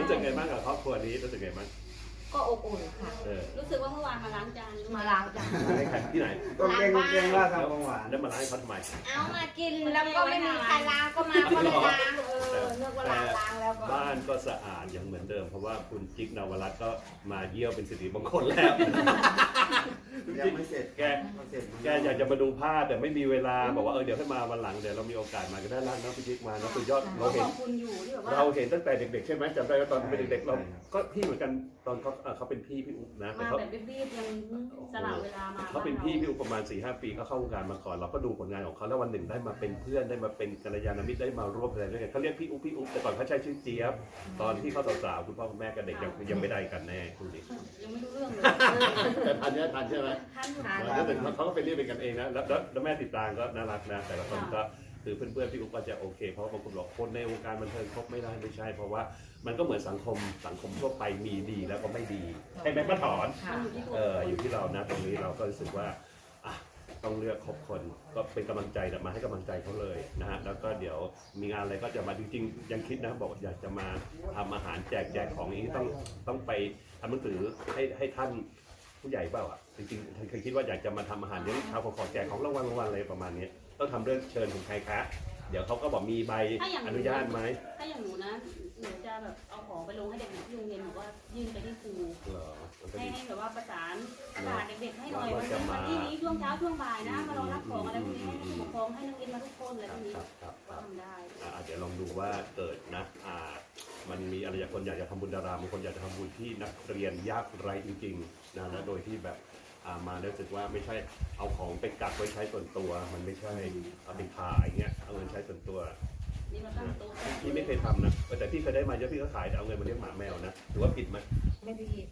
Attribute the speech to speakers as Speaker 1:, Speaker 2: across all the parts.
Speaker 1: รู้สึกไงบ้างกับครอบครัวนี้รู้สึกไงบ้าง
Speaker 2: ก็อบอุ่นค่ะ
Speaker 3: รู้สึกว่าเมื่อวานมาล้างจาน
Speaker 2: มาล้างจาน
Speaker 1: ให้ใครที่ไหน
Speaker 4: ก็เก่งว่าทำของหวาน
Speaker 1: แล้วมาล้างให้เขาทำไม
Speaker 2: เอามากินแล้วก็ไม่มีใครล้างก็มาก็เลยล้างเนึกว่าล้างแล้วก็
Speaker 1: บ้านก็สะอาดอย่างเหมือนเดิมเพราะว่าคุณจิ๊กนวรัตน์ก็มาเยี่ยวเป็นสิริมงคลแล้ว
Speaker 4: ยังไม่เสร็จ
Speaker 1: แกอยากจะมาดูภาพแต่ไม่มีเวลาบอกว่าเดี๋ยวให้มาวันหลังเดี๋ยวเรามีโอกาสมาก็ได้ร้านน้องพี่จิ๊กมานะคือยอดเราเห็นตั้งแต่เด็กๆใช่ไหมจำได้ว่าตอนเป็นเด็กๆเราก็พี่เหมือนกันตอนเขาเป็นพี่อุ๊บนะ
Speaker 3: มาแบบรีบๆยังสละเวลามา
Speaker 1: เขาเป็นพี่อุ๊บประมาณ 4-5 ปีเขาเข้าวงการมาก่อนเราก็ดูผลงานของเขาแล้ววันหนึ่งได้มาเป็นเพื่อนได้มาเป็นกัลยาณมิตรได้มาร่วมอะไรด้วยกันเขาเรียกพี่อุ๊บแต่ก่อนเขาใช้ชื่อเจี๊ยบตอนที่เขาสาวๆคุณพ่อคุณแม่กับเด็กยังไม่ได้กันแน่คุณดิ
Speaker 3: ยังไม่รู้เรื่องเลย
Speaker 1: แต่ทันใช่ไหมแล้วแต่เขาก็เป็นเรียกเป็นกันเองนะแล้วแม่ติดตามก็น่ารักนะแต่ละคนก็คือเพื่อนๆพี่อุ๊บก็จะโอเคเพราะบางคนบอกคนในวงการบันเทิงครบไม่ได้ไม่ใช่เพราะว่ามันก็เหมือนสังคมทั่วไปมีดีแล้วก็ไม่ดีใช่ไหมป้าถอนอยู่ที่เรานะตรงนี้เราก็รู้สึกว่าต้องเลือกคบคนก็เป็นกำลังใจมาให้กำลังใจเขาเลยนะฮะแล้วก็เดี๋ยวมีงานอะไรก็จะมาจริงๆยังคิดนะบอกอยากจะมาทำอาหารแจกของนี้ต้องไปทำหนังสือให้ท่านผู้ใหญ่เปล่าอ่ะจริงๆเคยคิดว่าอยากจะมาทำอาหารเลี้ยงชาวขอแจกของรางวัลอะไรประมาณนี้ต้องทำเรื่องเชิญถึงใครคะเดี๋ยวเขาก็บอกมีใบอนุญาตไหม
Speaker 3: ถ้าอย่างหนูนะหนูจะแบบเอาของไปลงให้เด็กๆที่โรงเรียนหนูว่ายื่นไปที่ครูให้แบบว่าประสานเด็กๆให้หน่อยวันนี้ช่วงเช้าช่วงบ่ายนะมารอรับของอะไรพวกนี้ให้ผู้ปกครองให้นักเรียนมาทุกคนอะไรพวกนี้ว่าทำได้
Speaker 1: เดี๋ยวลองดูว่าเกิดนะมันมีอะไรอย่างคนอยากจะทำบุญดาราบางคนอยากจะทำบุญที่นักเรียนยากไร้จริงๆนะแล้วโดยที่แบบมารู้สึกว่าไม่ใช่เอาของไปกักไว้ใช้ส่วนตัวมันไม่ใช่เอาไปขายเงี้ยเอาเงินใช้ส่วนตัวพี่ไม่เคยทำนะแต่พี่เคยได้มาเยอะพี่ก็ขายแต่เอาเงินมาเลี้ยงหมาแมวนะถือว่าผิดไหม
Speaker 2: ไม่ผิด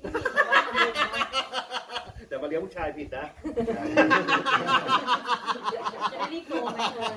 Speaker 1: แต่มาเลี้ยงผู้ชายผิดนะ
Speaker 3: จะได้รีบโตไหม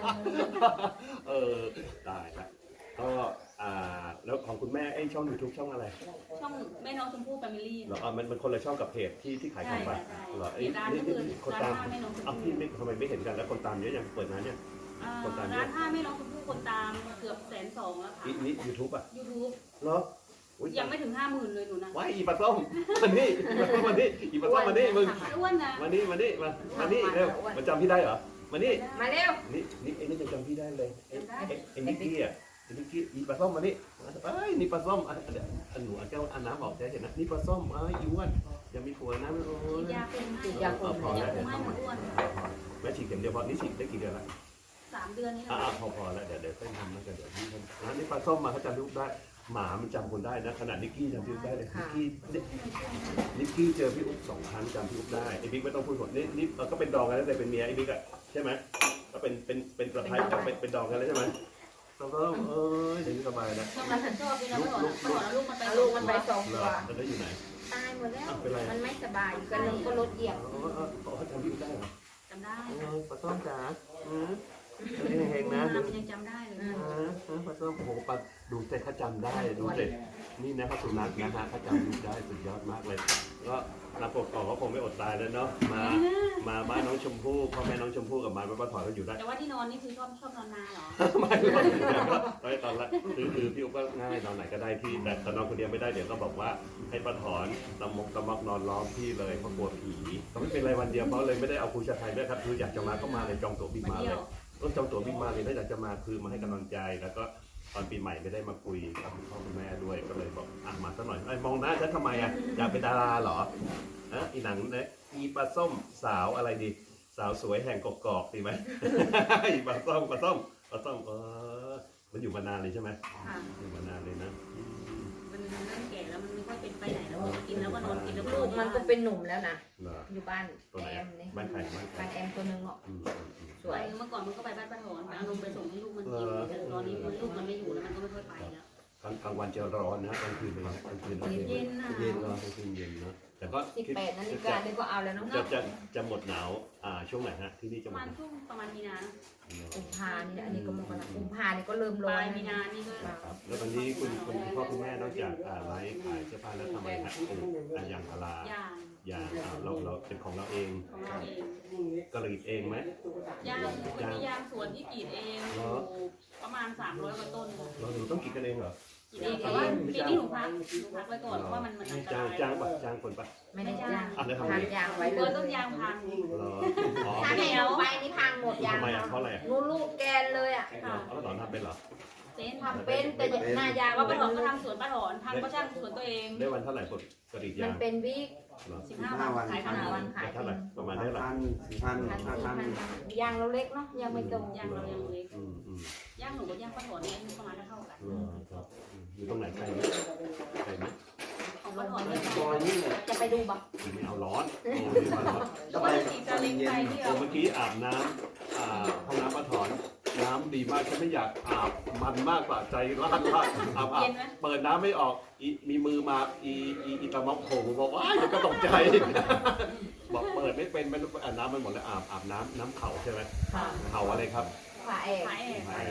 Speaker 1: ได้ละก็แล้วของคุณแม่ช่อง YouTube ช่องอะไร
Speaker 3: ช่องแม่น้องชมพู่แฟมิลี่
Speaker 1: เหรอมันคนละช่องกับเพจที่ขายของไปเหรอนี่คนตามพี่ไม่ทำไมไม่เห็นกันแล้วคนตามเยอะยังเปิดร้านเนี่ย
Speaker 3: คนตามร้าน5แม่น้องชมพู่คนตามเกือบ120,000แล้วค่ะ
Speaker 1: นี่ YouTube อ่ะ
Speaker 3: YouTube
Speaker 1: เหรอ
Speaker 3: ยังไม่ถึง50,000เลยหนูนะ
Speaker 1: ว้ายอีปลาส้มมานี่อีปลาส้มมานี่มึง
Speaker 3: อ้วนนะ
Speaker 1: มานี่เร็วมาจำพี่ได้เหรอมานี่
Speaker 2: มาเร็ว
Speaker 1: นี่ไอ้นี่จะจำพี่ได้เลยไอ้นิกกี้อ่ะอีปลาส้มมานี่นี่ปลาส้มหนูเอาแก้วน้ำออกได้เห็นนะนี่ปลาส้มอีอ้วนยังมีผัวนะไม่รู้
Speaker 3: ยาเป็น
Speaker 1: พอแล้วเดี๋ยวต้องมาแม่ฉีดเข็มเดียวพอนี่ฉีดได้กี่เดือนละ
Speaker 3: 3 เดือนนี่
Speaker 1: พอแล้วเดี๋ยวค่อยทำแล้วกันเดี๋ยวพี่นี่ปลาส้มมาเขาจำลูกได้หมามันจำคนได้นะขนาดนิกกี้จำพี่อุ๊บได้เลยนิกกี้เจอพี่อุ๊บ2 ครั้งจำพี่อุ๊บได้ไอ้บิ๊กไม่ต้องพูดหมดนี่ก็เป็นดองกันแล้วแต่เป็นเมียไอ้บิ๊กอ่ะใช่ไหมก็เป็นประภัยเป็นดองกันแล้วใช่ไหมเราก็เดี๋ยวนี้สบายนะ
Speaker 3: ชอบพี่เราไม่บอกลูกมัน
Speaker 2: ไป2 ตัว
Speaker 1: แล้วอยู่ไหน
Speaker 2: ตายหมดแล้วมันไม่สบายอยู่กันลงก็รถเหยียบ
Speaker 1: เขาจำพี่อุ๊บได้เหรอ
Speaker 3: จำได้
Speaker 1: ปลาส้มจ๋าเฮงนะ
Speaker 3: ยังจำได้เลย
Speaker 1: ปลาส้มโอ้โหปลาดูเสร็จเขาจำได้ดูเสร็จนี่นะครับสุนัขนะฮะเขาจำได้สุดยอดมากเลยก็นักปกครองก็คงไม่อดตายแล้วเนาะมาบ้านน้องชมพู่พ่อแม่น้องชมพู่กับมาป้าถอยก็อยู่ได้
Speaker 3: แต่ว่าที่นอนนี่คือชอบนอนนาเหรอ
Speaker 1: ไม่ตอนแรกคือพี่อุ๊บก็ง่ายนอนไหนก็ได้ที่แต่นอนคนเดียวไม่ได้เดี๋ยวก็บอกว่าให้ป้าถอนตะมกนอนล้อมพี่เลยเพราะกลัวผีก็ไม่เป็นไรวันเดียวเพราะเลยไม่ได้เอาครูชาไทยด้วยครับคืออยากจะมาก็มาเลยจองตั๋วบินมาเลยต้องจองตั๋วบินมาเลยถ้าอยากจะมาคือมาให้กำลังใจแล้วก็ตอนปีใหม่ไม่ได้มาคุยกับพ่อคุณแม่ด้วยก็เลยบอกมาสักหน่อยมองหน้าฉันทำไมอยากเป็นดาราเหรออีหนังเนี่ยอีปลาส้มสาวอะไรดีสาวสวยแห่งกอกดีไหมอีปลาส้มมันอยู่มานานเลยใช่ไหมอยู่มานานเลยนะ
Speaker 3: มันเริ่มแก่แล้วมันไม่ค่อยเป็นไปไหนแล้วกินแล้วก็นอนกินแล้ว
Speaker 2: ลูกมันก็เป็นหนุ่มแล้วนะอยู่บ้านแอมนี่
Speaker 1: บ้านใคร
Speaker 2: บ้านแอมตัวนึงเนาะ
Speaker 3: สวยเมื่อก่อนมันก็ไปบ้านป้าถอนเอานมไปส่งให้ลูกมันกินแต่ตอนนี้ลูกมันไม่อยู่แล้วมันก็ไม่ค่อยไปแล้ว
Speaker 1: กลางวันจะร้อนนะกลางคืนเป็นกลางคืน
Speaker 3: เย็นนะ
Speaker 1: เย็นร้อนกลางคืนเย็นนะแต่ก็
Speaker 2: 18 นาฬิกานี่ก็เอาแล้วเนาะ
Speaker 1: จะหมดหนาวช่วงไหนฮะที่นี่จะหมด
Speaker 3: ประมาณมีนา
Speaker 2: กุมภานี่อันนี้ก็มกรากุมภานี่ก็เริ่มร้อน
Speaker 3: มีนานี่ก็
Speaker 1: แล้วตอนนี้คุณพ่อคุณแม่นอกจากไลฟ์ขายเสื้อผ้าแล้วทำอะไรฮะยางพาราเราเป็นของเราเองก็เลยเองไหม
Speaker 3: ยางมียางสวนที่กรีดเองประมาณ300 กว่าต้น
Speaker 1: เราต้องกรีดกันเองเหรอ
Speaker 3: แต่ว่าปีนี้หนูพักไว้ก่อนเพราะว่ามันอันตราย
Speaker 1: จ้างคนปะ
Speaker 2: ไม่ได้จ้าง
Speaker 1: อ่ะแล้วทำไง
Speaker 2: ทำยางไว้เล
Speaker 3: ตัวย ต้นยางพัง
Speaker 1: เหรออ๋อ
Speaker 2: ถ้าไม่เอาไปนี่พังหมดยาง
Speaker 1: ทำไมอ่ะเพราะอะไรอ่ะ
Speaker 2: นูลูกแกนเลยอ่ะ
Speaker 1: เอาแล้วตอนทำเป็นเหรอ
Speaker 3: เจ๊น
Speaker 2: ทำเป็นแต่หน้ายาง
Speaker 3: ว่าป้าถอนก็ทำสวนป้าถอนทำก็ช่างสวนตัวเอง
Speaker 1: ได้วันเท่าไหร่กดอีก
Speaker 2: มั
Speaker 1: ยาน ง
Speaker 2: เป็นวิก
Speaker 1: เหรอ
Speaker 3: 15 วันขาย
Speaker 2: ขนาด
Speaker 3: 1,000
Speaker 2: วันขาย
Speaker 1: เท่าไหร่ประมาณได้หรอ
Speaker 2: ยางเราเล็กเนาะยังไม่โต
Speaker 3: ยางเรายังเล็ก
Speaker 1: อืม
Speaker 3: ย่างหนูกับย่างป้าถอนเนี่ยประมาณเท่ากัน
Speaker 1: ครับอยู่ตรงไหนใครไหมใครไหม
Speaker 3: ของป้าถอนเนี่ย
Speaker 4: ซอยนี่แหละ
Speaker 2: จะไปดูบ่
Speaker 1: ไม่เอาร้อนโอ้ยร้อน
Speaker 3: ก็ไปจีบจะเล็กไปที่เรา
Speaker 1: เมื่อกี้อาบน้ำห้องน้ำปะถอนน้ำดีมากฉันไม่อยากอาบมันมากกว่าใจร้อนว่าอาบเปิดน้ำไม่ออกมีมือมาอีตะม็อกโผล่บอกว่าเดี๋ยวก็ตกใจบอกเปิดไม่เป็นไม่รู้น้ำมันหมดแล้วอาบน้ำเข่าใช่ไหมเข่าอะไรครับ
Speaker 2: ฝาแอก
Speaker 3: ขายแอบ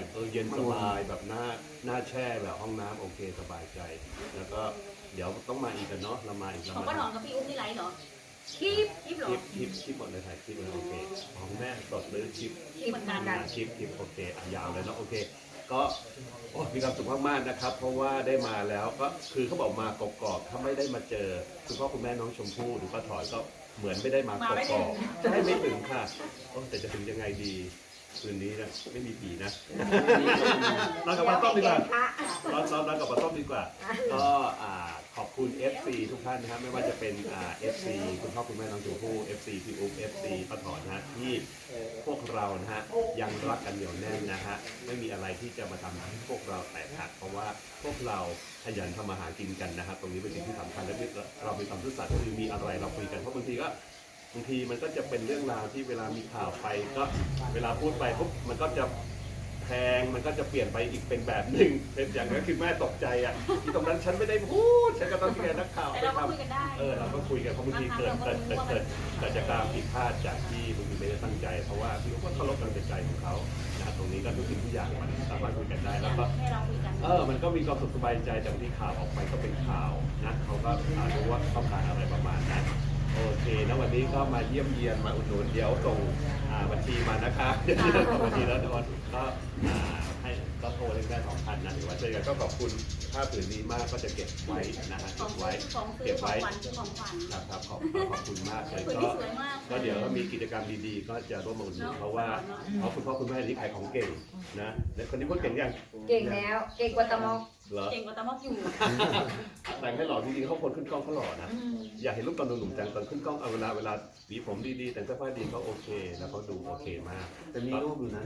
Speaker 1: เย็นสบายแบบหน้าแช่แบบห้องน้ำโอเคสบายใจ แล้วก็เดี๋ยวต้องมาอีกกันเนาะเรามาอีกแล้ว
Speaker 3: ของป้าถอนกับพี่อุ้มนี่ไรเหรอคลิปเหรอ
Speaker 1: คลิปหมดเลยถ่ายคลิปเลยโอเคของแม่สดหรือคลิป
Speaker 3: คลิปเหมือนกัน
Speaker 1: คลิปโอเคยาวเลยเนาะโอเค ก็มีความสุขมากๆนะครับ เพราะว่าได้มาแล้วก็คือเขาบอกมากกอกๆถ้าไม่ได้มาเจอคุณพ่อคุณแม่น้องชมพู่หรือป้าถอยก็เหมือนไม่ได้มากกอกๆใช่ไม่ถึงค่ะแต่จะถึงยังไงดีคืนนี้นะไม่มีผีนะเรากลับมาต้มดีกว่าเรากลับมาต้มดีกว่าก็ขอบคุณ FC ทุกท่านนะครับไม่ว่าจะเป็นFC คุณพ่อคุณแม่น้องชมพู่ FC พี่อุ๊บ FC ป้าถอนนะฮะที่พวกเรานะฮะยังรักกันเหนียวแน่นนะฮะไม่มีอะไรที่จะมาทำให้พวกเราแตกหักเพราะว่าพวกเราขยันทำมาหากินกันนะครับตรงนี้เป็นสิ่งที่สำคัญและเรามีความซื่อสัตย์คือมีอะไรเราคุยกันเพราะบางทีมันก็จะเป็นเรื่องราวที่เวลามีข่าวไปก็เวลาพูดไปปุ๊บมันก็จะแพงมันก็จะเปลี่ยนไปอีกเป็นแบบหนึ่งเป็นอย่างนั้นคือแม่ตกใจอ่ะที่ตรงนั้นฉันไม่ได้พูดฉันก็ต้องเรียนนักข่าว
Speaker 3: แต่
Speaker 1: ไป
Speaker 3: เราก็
Speaker 1: ทำ
Speaker 3: คุยกันได้
Speaker 1: เราก็คุยกันเพราะบางทีเกิดจากการผิดพลาดจากที่บางทีไม่ได้ตั้งใจเพราะว่าพี่ก็เคารพการตัดสินใจของเขานะตรงนี้ก็ทุกสิ่งทุกอย่างมันสามารถคุยกันได้แล้วก็
Speaker 3: ให้เราคุยกัน
Speaker 1: มันก็มีความสุขสบายใจจากที่ข่าวออกไปก็เป็นข่าวนะเขาก็รู้ว่าต้องการอะไรประมาณนั้นโอเคแล้ววันนี้ก็มาเยี่ยมเยียนมาอุดหนุนเดี๋ยวส่งบัญชีมานะคะเดี๋ยวส่งบัญชีแล้วทุกคนก็ให้ก็โทรเล่นได้2,000นะหรือว่าเจอกันก็ขอบคุณผ้าผืนนี้มากก็จะเก็บไว้นะฮะ
Speaker 3: ขอ
Speaker 1: เก็
Speaker 3: ง
Speaker 1: บไว้
Speaker 3: ของซื้
Speaker 1: เก็
Speaker 3: อบ ขอ
Speaker 1: ไว้
Speaker 3: งขวัญซื้อของขวัญ
Speaker 1: ครับขอบคุณมากเลย
Speaker 3: ผืน
Speaker 1: ก็
Speaker 3: ที่สวยมาก
Speaker 1: ก็เดี๋ยวมีกิจกรรมดีๆ ก็จะร่วมมาอุดหนุนเพราะว่าคุณพ่อคุณแม่นี่ขายของเก่งนะแล้วคนนี้พูดเก่งยัง
Speaker 2: เก่งแล้วเก่งกว่าตะมอก
Speaker 1: เหรอ
Speaker 3: เก่งกว่าตามอกอยู่
Speaker 1: แต่งให้หล่อจริงๆเขาคนขึ้นกล้องเขาหล่อนะอยากเห็นรูปตอนหนุ่มๆจังตอนขึ้นกล้องเอาเวลาหวีผมดีๆแต่งเสื้อผ้าดีเขาโอเคแล้วเขาดูโอเคมาก
Speaker 4: แต่มีรูปอยู่นะ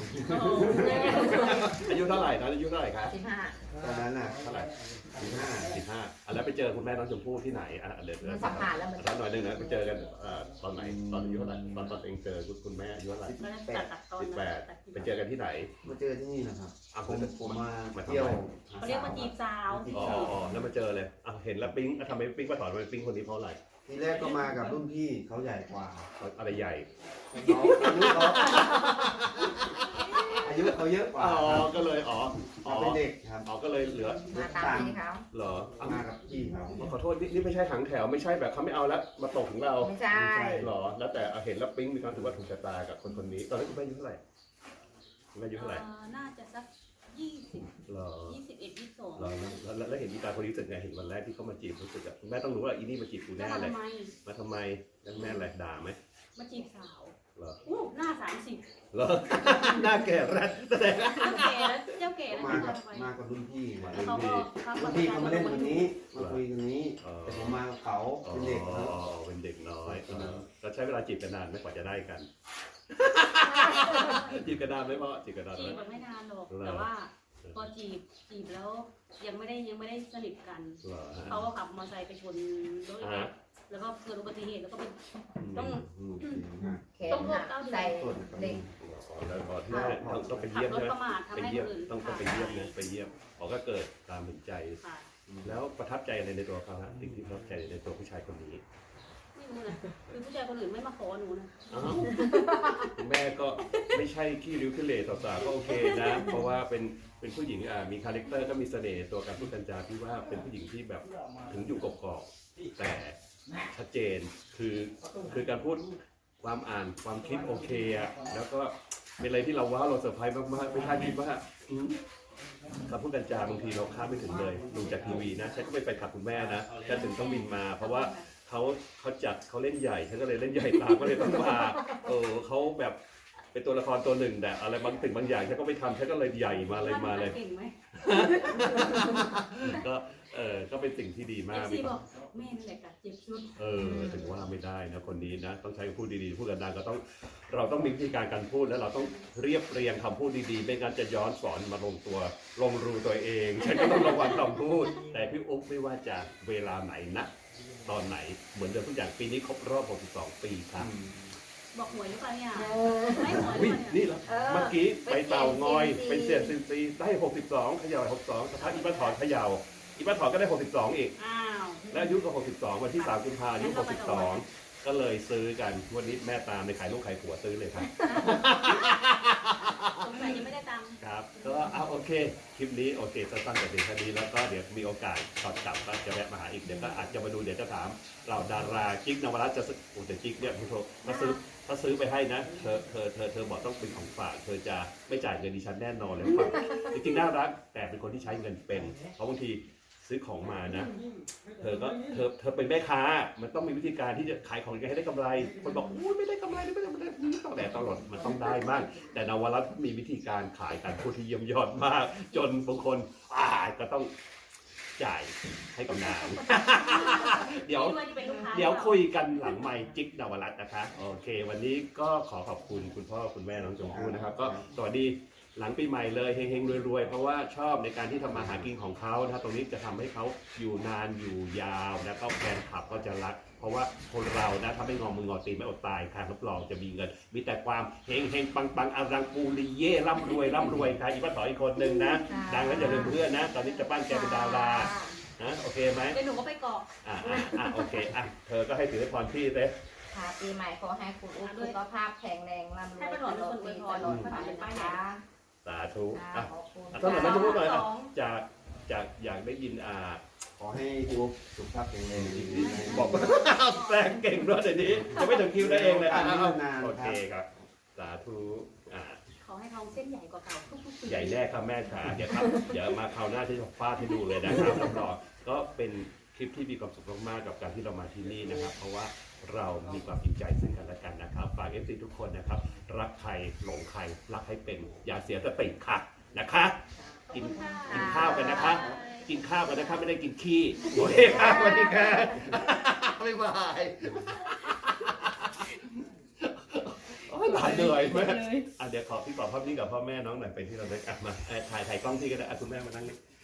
Speaker 1: อายุเท่าไหร่นะอายุเท่าไหร่ครับ
Speaker 2: 15
Speaker 4: ตอนนั้นน่ะ
Speaker 1: เท่าไหร่
Speaker 4: 15
Speaker 1: แล้วไปเจอคุณแม่น้องชมพู่ที่ไหนเดี๋ยว
Speaker 2: มันสัมผัสแล้วมัน
Speaker 1: ถามหน่อยนึงนะไปเจอกันตอนไหนตอนอายุเท่าไหร่ตอนเองเจอคุณแม่อายุเท่าไหร่
Speaker 3: ตัดตอน
Speaker 1: 18ไปเจอกันที่ไหน
Speaker 4: มาเจอที่นี่นะครับ
Speaker 1: ผม
Speaker 4: ผมมาเที่ยว
Speaker 3: เขาเรียกว่าจีบสาว
Speaker 1: อ๋อแล้วมาเจอเลยเห็นแล้วปิ๊งทำไมปิ๊งมาถอนมาปิ๊งคนนี้เพราะอะไร
Speaker 4: ทีแรกก็มากับรุ่นพี่เขาใหญ่กว่า
Speaker 1: อะไรใหญ่
Speaker 4: อายุเขาเยอะกว่า
Speaker 1: ก็เลย
Speaker 4: เป็นเด็กครับ
Speaker 1: ก็เลยเหลือ
Speaker 2: มาตามพี่เขา
Speaker 1: เหรอ
Speaker 4: มากับพี่เขา
Speaker 1: ขอโทษนี่ไม่ใช่ถังแถวไม่ใช่แบบเขาไม่เอาแล้วมาตกถึงเรา
Speaker 2: ไม่ใช่
Speaker 1: หรอแล้วแต่เห็นแล้วปิ๊งมีความถือว่าถูกชะตากับคนนี้ตอนนั้นคุณแม่อายุเท่าไหร่คุณแม่อายุเท่าไหร่
Speaker 3: น่าจะสัก20
Speaker 1: หรอ
Speaker 3: 21 22
Speaker 1: แล้วเห็นอีตาคนนี้รู้สึกไงเห็นวันแรกที่เขามาจีบรู้สึกอะคุณแม่ต้องรู้ว่าอีนี่มาจีบกู
Speaker 3: แล้
Speaker 1: แน่
Speaker 3: ว
Speaker 1: เลย
Speaker 3: ทำไม
Speaker 1: มาทำไมแล้วแม่อะไรด่าไหม
Speaker 3: มาจีบสาว
Speaker 1: เหรอ
Speaker 3: อู้หน้า30
Speaker 1: เหรอ หน้าแก่แรดแสดง
Speaker 3: เจ้าแก่แล้ว
Speaker 4: มา
Speaker 3: เจ้า
Speaker 4: กับ
Speaker 3: แก่แล้ว
Speaker 4: มากับรุ่นพี่
Speaker 3: แล้วเขาก็
Speaker 4: รุ่นพี่เขามาเล่นวันนี้มาคุยกันนี้ แต่ผมมากับเขาเป็นเด็กครับ
Speaker 1: เป็นเด็กน้อยก็ใช้เวลาจีบกันนานไม่กว่าจะได้กัน จีบกันนานไหมพ่อจีบกันนาน
Speaker 3: จี
Speaker 1: ไหม
Speaker 3: บแบบไม่นานหรอกแต่ว่าพอจีบแล้วยังไม่ได้สนิทกัน
Speaker 1: เหรอฮะ
Speaker 3: เขาก็ขับมอเตอร์ไซค์ไปชนรถแล้วก็เกิดอุบัติเหตุแล้วก็เป็น ต้อง
Speaker 2: แขนหักใส่เหล็ก
Speaker 1: แล้วก่อนที่แม่ต้องไป
Speaker 3: ขับ
Speaker 1: เยี่ยม
Speaker 3: รถ
Speaker 1: ใช่ไหม
Speaker 3: ประมาททำ
Speaker 1: ไป
Speaker 3: ให้
Speaker 1: เยี่ยม
Speaker 3: คนอื่น
Speaker 1: ต้องไปเยี่ยมนะไปเยี่ยมก็เกิดตามเห็นใจ
Speaker 3: ค่ะ
Speaker 1: แล้วประทับใจอะไรในตัวเขาฮะสิ่งที่ประทับใจในตัวผู้ชายคนนี้
Speaker 3: ไม่รู้นะคือผู้ชายคนอื่นไม่มาขอหนูนะ
Speaker 1: แม่ก็ไม่ใช่ขี้ริ้วขี้เหร่ต่อสาวก็โอเคนะเพราะว่าเป็นผู้หญิงมีคาแรคเตอร์ก็มีเสน่ห์ตัวการพูดกันจาที่ว่าเป็นผู้หญิงที่แบบถึงอยู่กรอบๆแต่ชัดเจนคือการพูดความอ่านความคิดโอเคอะแล้วก็เป็นอะไรที่เราว้าวเราเซอร์ไพรส์มากๆไม่คาดคิดว่าคำพูดกันจาบางทีเราคาดไม่ถึงเลยดูจากทีวีนะฉันก็ไม่ไปขับคุณแม่นะฉันถึงต้องบินมา เพราะว่าเขาจัดเขาเล่นใหญ่ฉันก็เลยเล่นใหญ่ตามก็เลยต้องมาเขาแบบเป็นตัวละครตัวหนึ่งแต่อะไรบางสิ่งบางอย่างฉันก็ไม่ทำฉันก็เลยใหญ่มาเลย
Speaker 3: เก่งไหม
Speaker 1: ก็เป็นสิ่งที่ดีมาก
Speaker 3: ซีบอกแม่นี่แหละกัดเจ็บสุด
Speaker 1: ถึงว่าไม่ได้นะคนนี้นะต้องใช้คำพูดดีๆพูดกันดังก็ต้องเราต้องมีวิธีการพูดแล้วเราต้องเรียบเรียงคำพูดดีๆไม่งั้นจะย้อนสอนมาลงรูตัวเองฉันก็ต้องระวังคำพูดแต่พี่อุ๊บไม่ว่าจะเวลาไหนนะตอนไหนเหมือนเดิมทุกอย่างปีนี้ครบรอบ62 ปีครับ
Speaker 3: บอกหวยหรือเปล่าเนี่ยไม่หวยหรือ
Speaker 1: อุ๊ย
Speaker 3: เปล่าเนี่ย
Speaker 1: นี่แล้วเมื่อกี้ไปเต่างอยเป็นเสียงซินซีได้62เขย่า62สักพักอีป้าถอนเขย่าอีป้าถอนก็ได้62อีก
Speaker 3: อ้าว
Speaker 1: และอายุก็62วันที่3 กุมภาพันธ์อายุ62ก็เลยซื้อกันวันนี้แม่ตามในขายลูกขายผัวซื้อเลยครับ
Speaker 3: สงสัยยังไม่ได้ตังค์
Speaker 1: ครับก็โอเคคลิปนี้โอเคสั้นๆแต่เพียงแค่นี้แล้วก็เดี๋ยวมีโอกาสตอนกลับก็จะแวะมาหาอีกเดี๋ยวก็อาจจะมาดูเดี๋ยวจะถามเราดารากิ๊กนวรัตน์จะซื้อโอ้แต่กิ๊กเนี่ยคุณโทถ้าซื้อไปให้นะเธอบอกต้องเป็นของฝากเธอจะไม่จ่ายเงินดิฉันแน่นอนเลยครับจริงๆน่ารักแต่เป็นคนที่ใช้เงินเป็นเพราะบางทีซื้อของมานะเธอเป็นแม่ค้ามันต้องมีวิธีการที่จะขายของยังไงให้ได้กำไรคนบอกอุ้ยไม่ได้กำไรไม่ได้แต่ตลอดมันต้องได้มากแต่นวรัตน์มีวิธีการขายการพูดที่เยี่ยมยอดมาก จนบางคนก็ต้องจ่ายให้กับนาง เดี๋ยวคุยกันหลังไมค์จิ๊กนวรัตน์นะคะโอเค วันนี้ก็ขอขอบคุณคุณพ่อคุณแม่น้องชมพู่นะครับก็สวัสดีหลังปีใหม่เลยเฮงๆรวยๆเพราะว่าชอบในการที่ทำมาหากินของเขานะตรงนี้จะทำให้เขาอยู่นานอยู่ยาวนะก็แฟนคลับก็จะรักเพราะว่าคนเรานะถ้าไม่งอมืองอตีนไม่อดตายค่ะรับรองจะมีเงินมีแต่ความเฮงๆปังๆอารังปูริเย่ร่ำรวยค่ะอีป้าถอยอีกคนนึงนะดังแล้วอย่าลืมเพื่อนนะตอนนี้จะปั้นแกเป็นดารานะโอเคไหม
Speaker 3: เดี๋ยวหนูก็ไปเกาะ
Speaker 1: โอเคเธอก็ให้ถือพรพี่เลย
Speaker 2: ค่ะปีใหม่ขอให้คุณอุ๊บสุขภาพแข็งแรงร่ำรวยตลอดปีตลอดไปนะคะ
Speaker 1: สาธุ
Speaker 2: ขอบคุณ
Speaker 1: ท่านหน่อยไม่พูดหน่อยจากอยากได้ยิน
Speaker 4: ขอให้พี่อุ๊บสุขภาพแข็งแรงดีๆ
Speaker 1: บอกแปลงเก่งด้วยเดี๋ยวนี้จะไม่ถึงคิวได้เองเลยโอเคครับสาธุ
Speaker 3: ขอให้ทองเส้นใหญ่กว่าเก่าทุกๆปี
Speaker 1: ใหญ่แน่ครับแม่ขาเดี๋ยวมาคราวหน้าที่จะฟาดให้ดูเลยนะครับรับรองก็เป็นคลิปที่มีความสุขมากๆกับการที่เรามาที่นี่นะครับ เพราะว่าเรามีความจริงใจซึ่งกันและกันนะครับฝาก FC ทุกคนนะครับรักใครหลงใครรักให้เป็นอย่าเสียสติค่ะนะคะกินข้าวกันนะคะกินข้าวกันนะคะไม่ได้กินขี้โอเคครับสวัสดีค่ะบ๊ายบายหลายเหนื่อยมากเดี๋ยวขอพี่บอกพ่อพี่กับพ่อแม่น้องหน่อยไปที่เราได้กลับมาถ่ายกล้องที่ก็ได้คุณแม่มานั่งนี่